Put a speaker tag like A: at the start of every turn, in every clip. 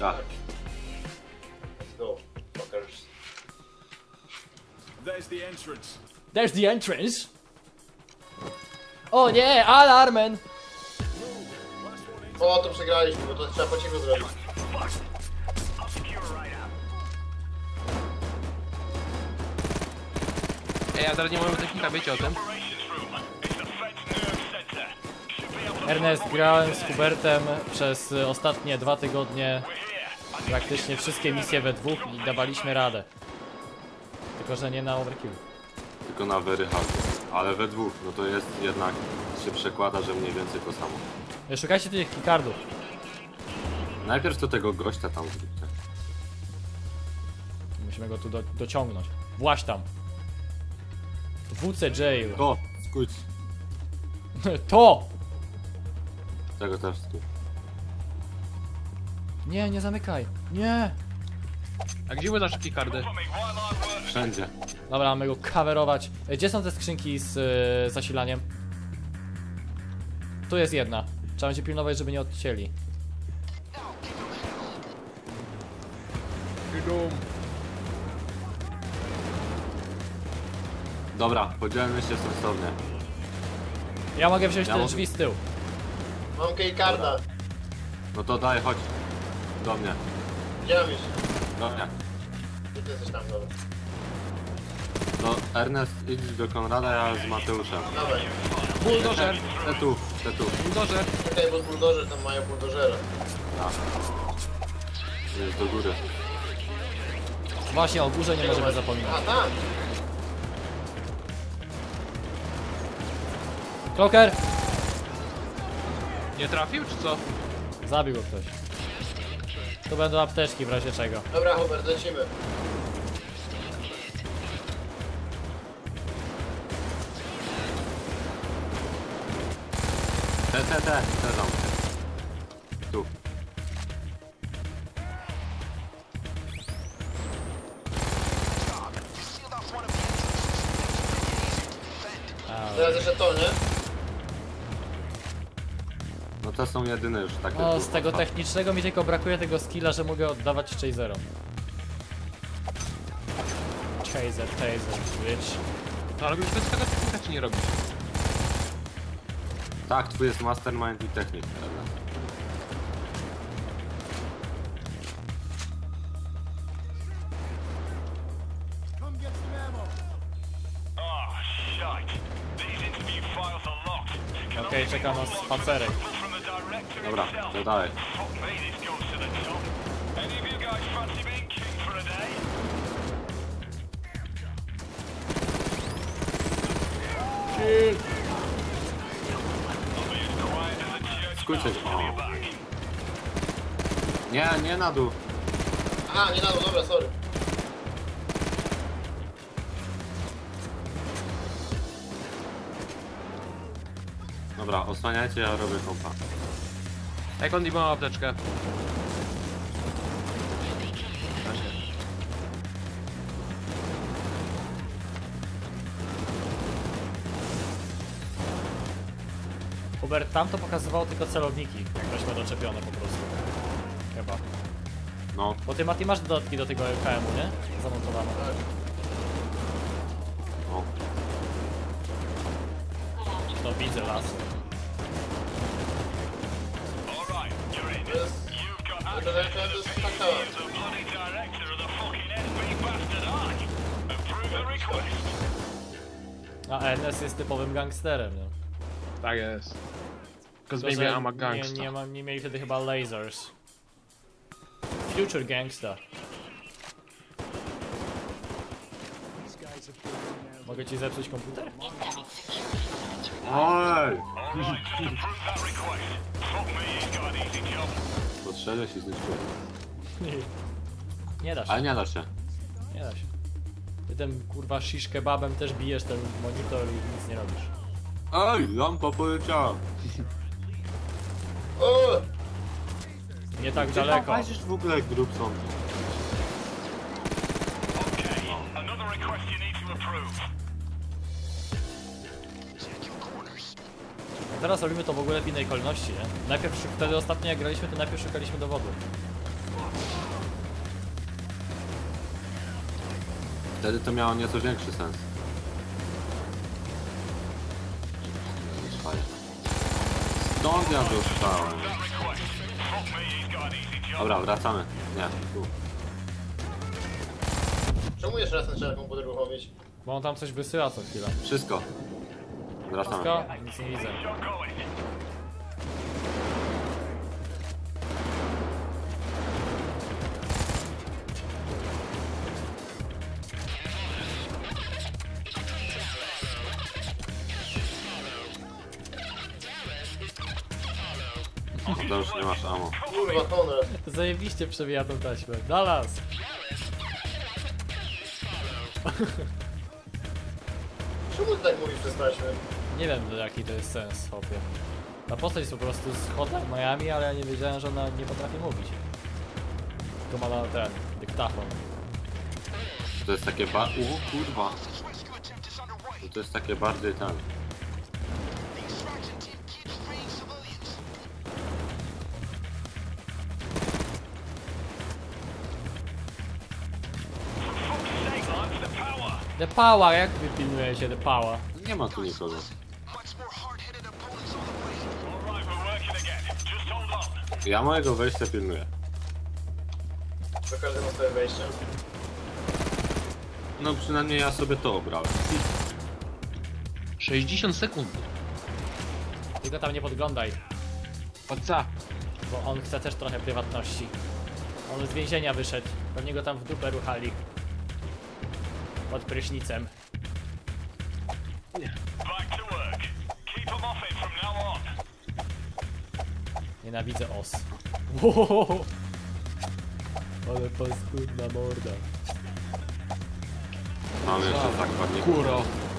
A: Tak.
B: Let's go, fuckers.
C: There's the entrance. O nie, alarmen!
B: O, to przegraliśmy, bo to trzeba po cichu zrobić.
D: Ej, ja teraz nie mam technika, wiecie o tym?
C: Ernest, grałem z Hubertem przez ostatnie 2 tygodnie praktycznie wszystkie misje we dwóch i dawaliśmy radę. Tylko, że nie na overkill.
A: Tylko na very hard. Ale we dwóch, no to jest jednak, się przekłada, że mniej więcej to samo.
C: Szukajcie tych keycardów.
A: Najpierw to tego gościa tam zróbcie.
C: Musimy go tu dociągnąć. Właź tam. WC Jail.
A: To, skójć.
C: To!
A: Tego też skójć.
C: Nie, nie zamykaj. Nie!
D: A gdzie były nasze keycardy?
A: Wszędzie.
C: Dobra, mamy go coverować. Gdzie są te skrzynki z zasilaniem? Tu jest jedna. Trzeba będzie pilnować, żeby nie odcięli.
A: Dobra, podzielmy się sensownie.
C: Ja mogę wziąć
A: Ja
C: te
A: mogę.
C: drzwi z tyłu.
B: Mam keycarda.
A: No to daj, chodź. Do mnie.
B: Gdzie mam iść?
A: Do mnie.
B: Gdzie ty jesteś tam, dobra.
A: To Ernest, idź do Konrada, ja z Mateuszem.
B: Dawaj.
D: Buldożer!
A: Te tu, te tu.
D: Buldożer!
B: Czekaj, bo buldożer tam mają buldożera.
A: Tak. Jest do góry.
C: Właśnie o górze nie możemy zapominać.
B: A, tam!
C: Kloker!
D: Nie trafił, czy co?
C: Zabił go ktoś. Tu będą apteczki w razie czego.
B: Dobra, Hubert, lecimy.
A: Te tam. Tu.
B: Teraz jeszcze to, nie?
A: No to są jedyne już takie.
C: No,
A: tu.
C: z tego technicznego mi tylko brakuje tego skilla, że mogę oddawać chaserom. Chaser, bitch.
D: No ale już bez tego technika czy nie robisz?
A: Tak, twój jest mastermind i technik. Ernest.
C: Okej, czeka nas spacerek.
A: Dobra, to dalej. Skójcie. O. Nie, nie na dół.
B: Aha, nie na dół, dobra, sorry.
A: Dobra, osłaniajcie, ja robię kompa.
D: Jak on ma apteczkę?
C: Hubert, tam to pokazywało tylko celowniki. Weźmy doczepione po prostu. Chyba.
A: No,
C: Bo ty, Mati, masz dodatki do tego LKM-u, nie? Zamontowane.
A: no.
C: To widzę las.
B: To jest taka...
C: A NS jest typowym gangsterem, nie?
D: Tak jest. Because
C: Tylko,
D: maybe
C: że
D: I'm a gangster.
C: nie mieli wtedy chyba lasers. Future gangsta. Mogę ci zepsuć komputer?
A: Oj! Podszedłeś i zniszczyłeś.
C: Nie da się,
A: Ale nie da się.
C: nie da się. Ty tym kurwa shish kebabem też bijesz ten monitor i nic nie robisz.
A: Ej, lampa poleciała.
B: O!
C: Nie tak
A: Gdzie
C: daleko.
A: patrzysz w ogóle grup są?
C: A teraz robimy to w ogóle w innej kolejności, nie? Najpierw, wtedy ostatnio jak graliśmy, to najpierw szukaliśmy dowodu.
A: Wtedy to miało nieco większy sens. Stąd ja dostałem. Dobra, wracamy. Nie, tu.
B: Czemu jeszcze raz nie trzeba komputer uruchomić?
C: Bo on tam coś wysyła co chwilę.
A: Wszystko. Wracamy.
C: Wszystko? Nic nie widzę.
A: To już nie masz ammo.
B: Kurwa, Konrad.
C: Zajebiście przewija tą taśmę. Dallas!
B: Czemu ty tak mówisz przez taśmę?
C: Nie wiem jaki to jest sens, hopie. Ta postać jest po prostu z Hotline Miami, ale ja nie wiedziałem, że ona nie potrafi mówić. Tylko ma na ten, dyktafon.
A: To jest takie kurwa. To jest takie bardziej ten.
C: The Power, jak wy pilnujecie The Power?
A: Nie ma tu nikogo. Ja mojego wejścia pilnuję.
B: To każdy ma swoje wejście.
A: No przynajmniej ja sobie to obrałem.
D: 60 sekund.
C: Tylko tam nie podglądaj,
D: Po co?
C: bo on chce też trochę prywatności. On z więzienia wyszedł, pewnie go tam w dupę ruchali. Pod prysznicem. Nienawidzę os. Wow. Ale paskudna morda.
A: Mam jeszcze zakładników.
D: Kuro.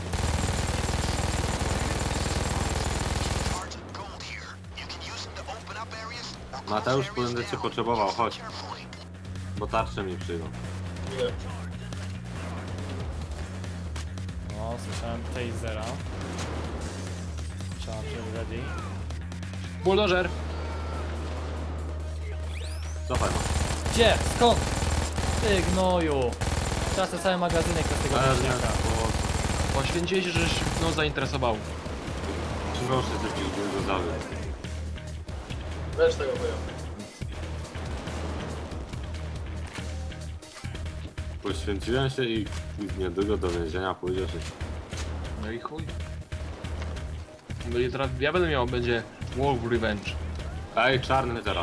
A: Mateusz, będę cię potrzebował, chodź. Bo tarcze mi przyjdą.
B: Ile?
C: O, słyszałem tasera. Trzeba się ready.
D: Bulldozer.
A: Cofaj.
C: Gdzie? Skąd? Ty gnoju! Teraz te całe magazynek z tego
A: Ale nie,
C: wieśniaka.
A: bo...
D: Poświęciłeś się, żeś no zainteresował.
A: Proszę, te dinozaury.
B: Weź tego chuja.
A: Poświęciłem się i niedługo do więzienia pójdziesz.
D: No i chuj. No i teraz ja będę miał, będzie Wolf Revenge.
A: Ej, czarny teraz.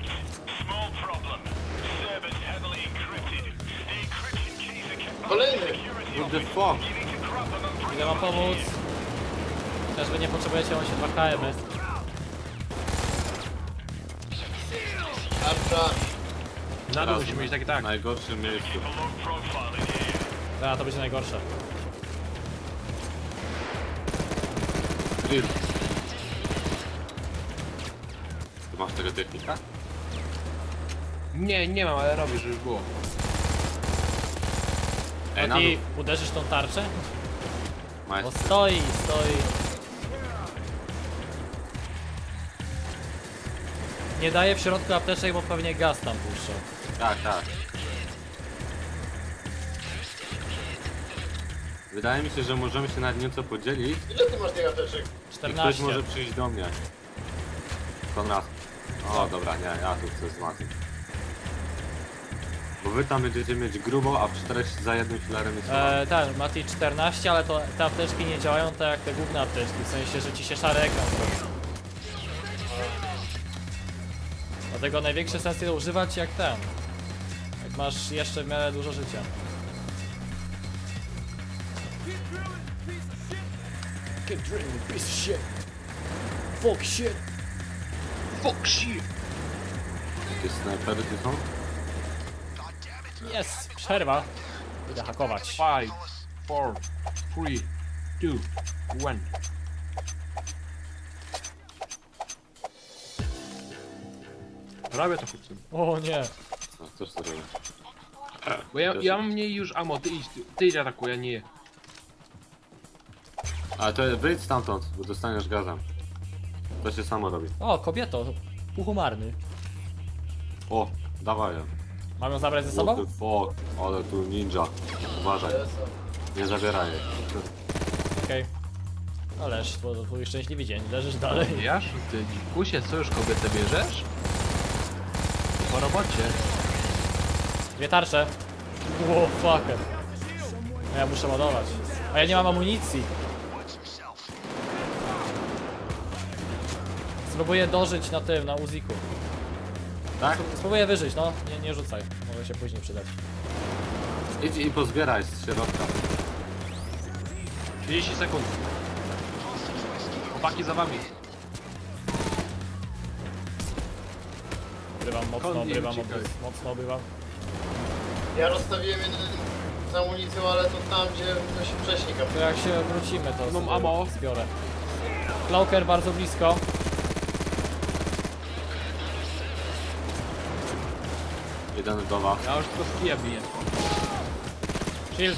B: Kolejny!
A: What the fuck?
C: Idę wam pomóc. Też wy nie potrzebujecie, on się 2 KM.
B: Tarcza!
D: Na dół
A: Teraz
D: musimy mieć takie tak.
A: W najgorszym miejscu.
C: Teraz to będzie najgorsze.
A: Drill. Ty masz tego technika?
D: Nie, nie mam, ale robię, żeby było.
A: Ej, na
C: A
A: dół.
C: ty uderzysz tą tarczę? O,
A: Majster.
C: stoi. Nie daje w środku apteczek, bo pewnie gaz tam puszczą.
A: Tak, tak. Wydaje mi się, że możemy się nad nieco podzielić
B: Ile ty masz tych apteczek?
A: i ktoś
C: 14.
A: może przyjść do mnie. Konrad. O, dobra, nie, ja tu chcę z Matim. Bo wy tam będziecie mieć grubo, a w 4 za jednym filarem jest
C: Ten, Mati 14, ale to te apteczki nie działają tak jak te główne apteczki, w sensie, że ci się szary ekran zrobi. Dlatego największy sens jest używać jak ten. Jak masz jeszcze w miarę dużo życia. Get drilling, piece of shit. Fuck shit.
D: Fuck shit!
A: Jakieś snajpery tu są?
C: Jest, przerwa. Idę hakować.
D: 5, 4, 3, 2, 1. Robię to chłopcem.
C: O nie.
A: No, też to robię.
D: Bo ja
A: Też-
D: mam mniej już ammo, ty idź atakuj, ja nie.
A: Ale to wyjdź stamtąd, bo dostaniesz gazem. To się samo robi.
C: O, kobieto. Puchumarny.
A: O, dawaj ją.
C: Mam ją zabrać ze sobą?
A: What the fuck? Ale tu ninja. Uważaj,
B: Jest.
A: nie zabieraj jej.
C: Okej. No leż, to twój szczęśliwy dzień, leżysz dalej.
D: Jasz, ty dzikusie, co już kobietę bierzesz? Po robocie.
C: Dwie tarcze. Wow, fucker. No ja muszę ładować. A ja nie mam amunicji. Spróbuję dożyć na tym, na Uziku.
A: Tak?
C: Spróbuję wyżyć, no. Nie rzucaj. Może się później przydać.
A: Idź i pozbieraj z środka.
D: 30 sekund. Chłopaki za wami.
C: Obrywam mocno,
D: Skąd nie
C: obrywam,
D: uciekaj?
C: mocno obrywam.
B: Ja rozstawiłem jeden z amunicją, ale to tam, gdzie to się wcześniej
C: To jak się wrócimy, to
D: Mam
C: sobie
D: ammo.
C: zbiorę. Cloaker bardzo blisko.
A: Jeden do was.
D: Ja już tylko z kija biję.
C: Shield.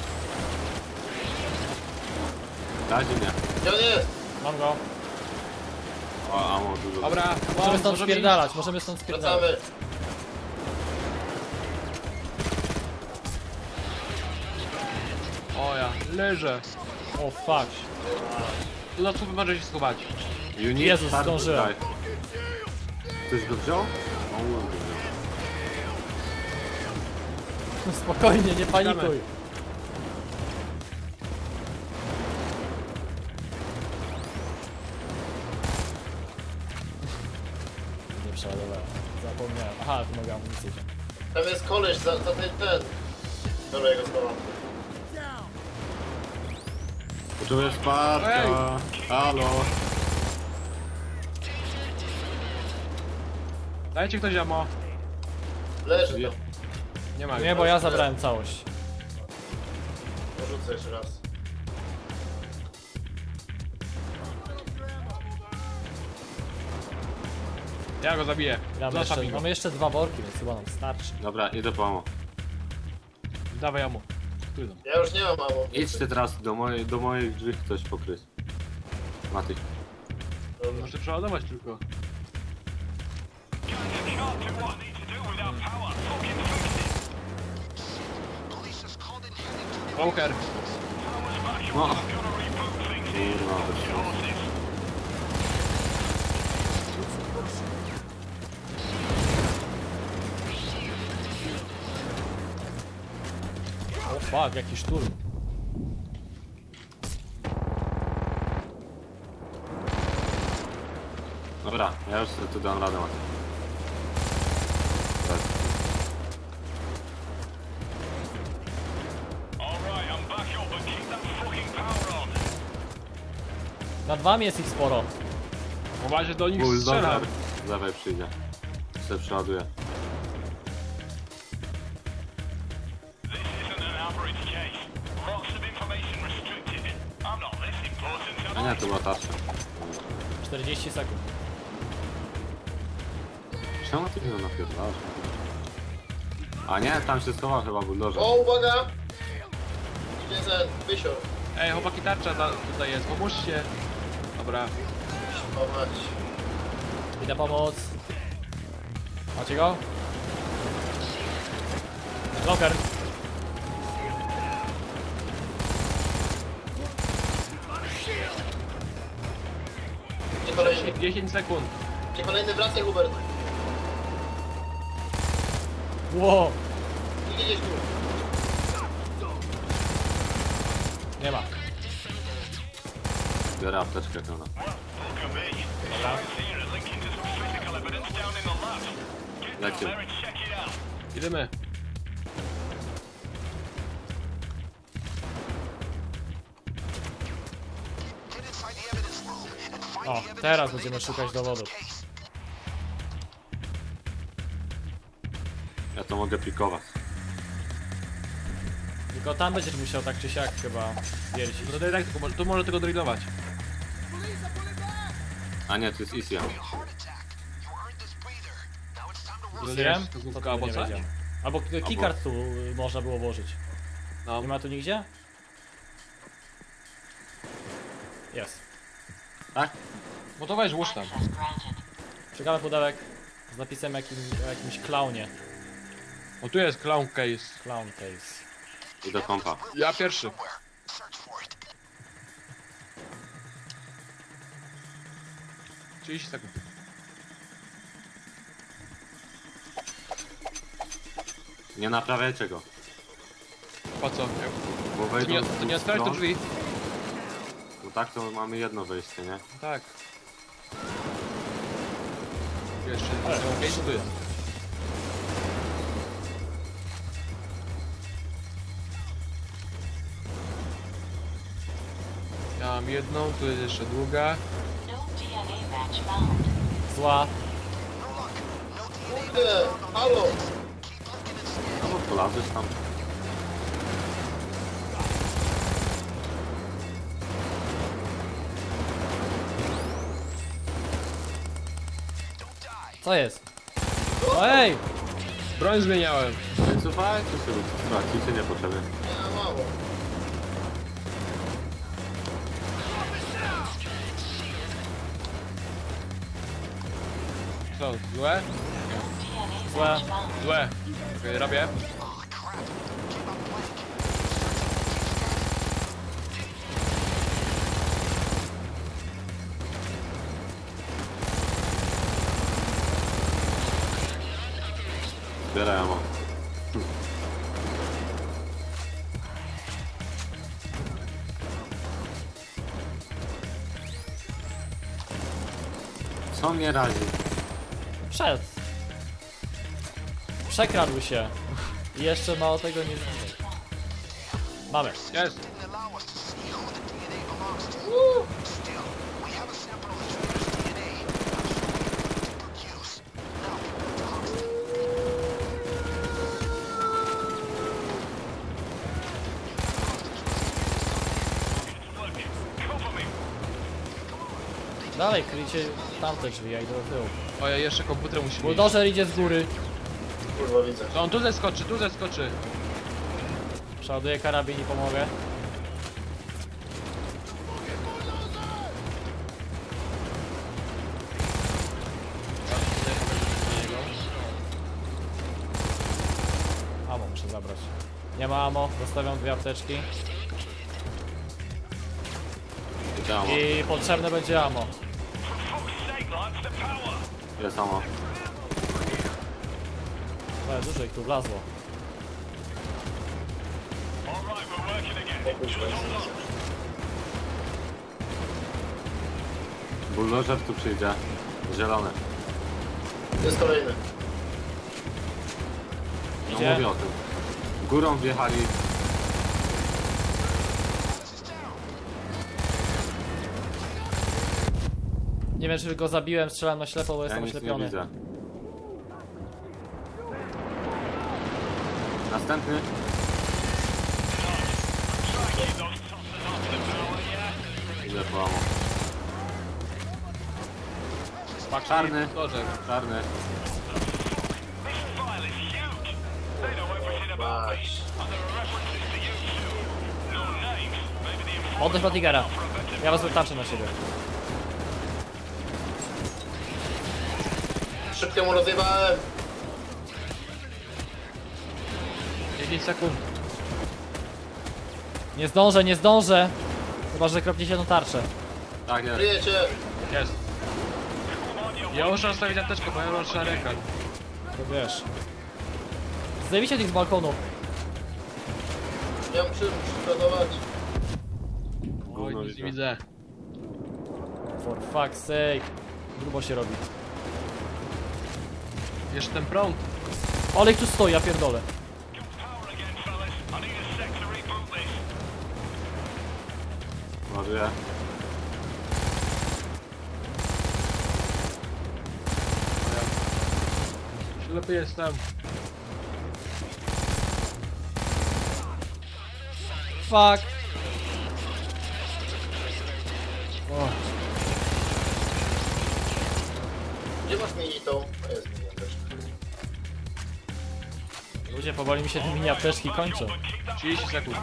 A: Dajcie mnie.
B: Gdzie on jest?
C: Mam go.
A: O, amo dużo.
D: Dobra,
C: Możemy stąd
D: możemy
C: spierdalać, możemy stąd spierdalać.
B: Wracamy.
D: iść. O ja, leżę.
C: O fuck.
D: Tu na słupy może się schować.
A: You need
C: Jezus,
A: start
C: zdążyłem.
A: die. Ktoś go wziął? O, go wziął.
C: Spokojnie, nie panikuj. Nie przeładowałem. Zapomniałem. Aha, tu mogę amunicję wziąć.
B: Tam jest koleś za ten. Dobra, jego słowa.
A: Potrzebuję wsparcia. Halo.
D: Dajcie ktoś ammo.
B: Leży
A: Je-
B: tam.
D: Nie ma.
C: Nie, bo ja zabrałem całość.
B: Porzucę jeszcze raz.
D: Ja go zabiję. Zostaw mi go.
C: Mamy jeszcze dwa worki, więc chyba nam starczy.
A: Dobra, idę po amo.
D: Dawaj ammo. Tu idą.
B: Ja już nie mam ammo.
A: Idźcie teraz do moich drzwi ktoś pokryć. Mati.
B: Dobra.
D: Muszę przeładować tylko. Walker.
A: No. Kurwa, wyszło.
C: O fuck, jaki szturm.
A: Dobra, ja już sobie tu dam radę, Mati. Tak.
C: Nad wami jest ich sporo.
D: Uważaj, do nich strzelam.
A: Bulldozer. Dawaj przyjdzie. Se przeładuję. A nie, to była tarcza.
C: 40 sekund.
A: Czemu ty mnie napierdalasz? A nie, tam się schował chyba bulldozer.
B: O, uwaga! Idzie ten wysior.
D: Ej, chłopaki, tarcza tutaj jest, pomóżcie. Dobra.
B: O mać.
C: Idę pomóc. Macie go? Locker.
B: Gdzie kolejny?
D: 10 sekund.
B: Gdzie kolejny? Wracaj, Hubert.
C: Wow.
B: Idzie gdzieś tu.
C: Nie ma.
A: Biorę apteczkę pełna. Lecimy.
D: Idziemy.
C: O, teraz będziemy szukać dowodów.
A: Ja to mogę pikować.
C: Tylko tam będziesz musiał tak czy siak chyba wiercić.
D: No to tak, tylko tu może tego drillować.
A: A nie, to jest Isia.
C: Wiem?
D: To
C: To
D: główka
C: tego
D: albo
C: nie
D: coś?
C: wiedziałem. Albo keycard tu można było włożyć.
D: No.
C: Nie ma tu nigdzie? Jest.
A: Tak?
D: No to weź, łóż tam.
C: Ciekawy pudełek z napisem o jakimś klaunie.
D: O, tu jest clown case.
C: Clown case.
A: I do kompa.
D: Ja pierwszy. sekund.
A: Nie naprawiajcie go.
D: Po co?
A: Bo
D: To
A: wejdą
D: nie,
A: z
D: to
A: dwóch
D: nie otwieraj tu
A: stron.
D: drzwi.
A: No tak, to mamy jedno wejście, nie?
D: Tak. Jeszcze case tu jest. Ja mam jedną, tu jest jeszcze druga.
E: No DNA match found.
C: Zła.
B: Kurde, halo!
A: No polazłeś tam.
C: Co jest? O, ej!
D: Broń zmieniałem.
A: Wycofajcie się, tracicie niepotrzebnie.
B: Nie, mało.
D: Co, złe?
E: DNA
C: Złe.
E: match found.
D: Złe. Okej, robię.
A: Zbieraj ammo. Co mnie razi?
C: Wszedł. Przekradł się. I jeszcze mało tego nie zrobił. Mamy.
D: Jest.
C: Dalej, kryjcie tamte drzwi, ja idę do tyłu.
D: O, ja jeszcze komputer musi mieć.
C: Bulldozer idzie z góry.
B: Kurwa, widzę.
D: No on tu zeskoczy, tu zeskoczy.
C: Przeładuję karabin i pomogę. Amo muszę zabrać. Nie ma amo, zostawiam 2 apteczki.
A: Gdzie ammo?
C: I potrzebne będzie amo.
A: Jest ammo.
C: Ale dużo ich tu wlazło.
B: Nie kuźwa, nic.
A: Bulldozer tu przyjdzie. Zielony.
B: Jest kolejny.
A: No
C: Idzie.
A: mówię o tym. Górą wjechali.
C: Nie wiem, czy go zabiłem, strzelam na ślepo, bo
A: Ja
C: jestem
A: nic nie
C: oślepiony.
A: widzę. Następny. Ile po ammo? Czarny.
D: Bulldozer.
A: Czarny.
B: Mać.
C: Oddać Batigera. Ja was wytarczę na siebie.
B: Szybko mu rozjebałem.
D: 10 sekund.
C: Nie zdążę, nie zdążę! Chyba, że kropniecie na tarczę.
A: Tak jest.
B: Kryjecie.
D: Jest. Ja muszę zostawić apteczkę, bo ja mam szary ekran.
C: To wiesz. Zdejmijcie tych z balkonu.
B: Ja muszę przygotować.
D: Oj,
A: Gówno
D: nic nie
A: widzę.
D: widzę.
C: For fuck's sake. Grubo się robi.
D: Jeszcze ten prąd.
C: Ale ich tu stoi, ja pierdolę.
A: Ładuję.
D: Lepiej jestem.
C: Fuck. O,
B: Gdzie masz minitą? A jest mini też.
C: ludzie, powoli mi się te mini apteczki kończą.
D: 30 sekund.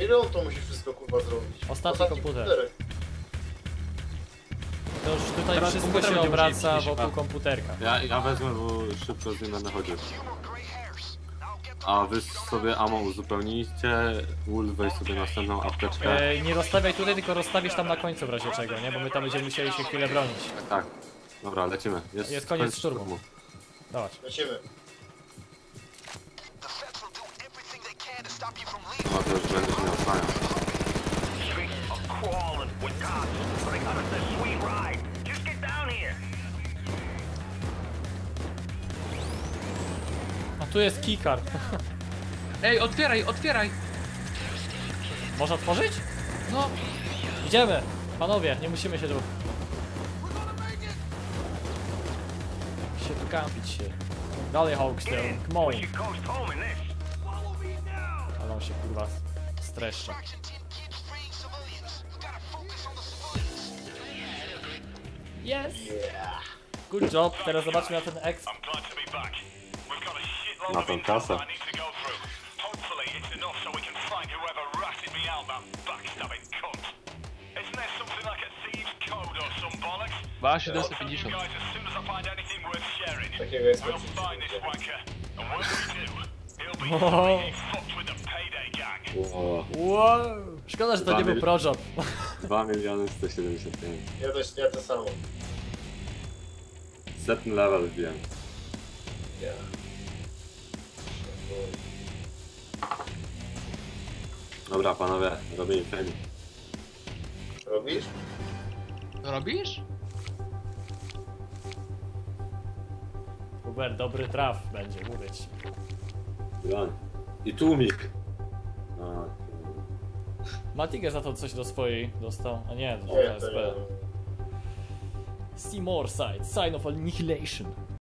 B: Ile on to musi wszystko kurwa zrobić?
C: Ostatni komputer. To już tutaj
D: Teraz
C: wszystko
D: komputer
C: się
D: będzie
C: obraca
D: musieli
C: wokół
D: się
C: komputerka.
A: Ja wezmę, bo szybko z nim będę chodził. A wy sobie ammo uzupełnijcie, Wolf weź sobie następną apteczkę.
C: Nie rozstawiaj tutaj, tylko rozstawisz tam na końcu w razie czego, nie? Bo my tam będziemy musieli się chwilę bronić.
A: Tak. Dobra, lecimy.
C: Jest koniec szturmu. Dawaj.
B: Lecimy.
A: No to już będziesz mnie osłaniał.
C: A tu jest keycard.
D: Ej, otwieraj, otwieraj!
C: Można otworzyć?
D: No,
C: Idziemy! Panowie, nie musimy się tu... tu kampić się. Dalej Hawkstone, come on. Ale on się kurwa streszcza. Yes! Good job, teraz zobaczmy na ten exp.
A: Na tą kasę.
D: Dwa 750.
B: Takiego jest
C: Wow.
A: Wow.
C: Wow. Szkoda, że to nie był projob.
A: 2 miliony 175.
B: Ja to samo.
A: Setny level wbiłem.
B: Ja.
A: Dobra panowie, robimy fame.
B: Robisz?
D: Robisz?
C: Uber, dobry traf będzie, mówię ci.
A: Broń. I tłumik. No,
C: Matiger za to coś do swojej dostał. A nie, to
B: Nie,
C: jest
B: to ja.
C: Seymour Side, Sign of Annihilation.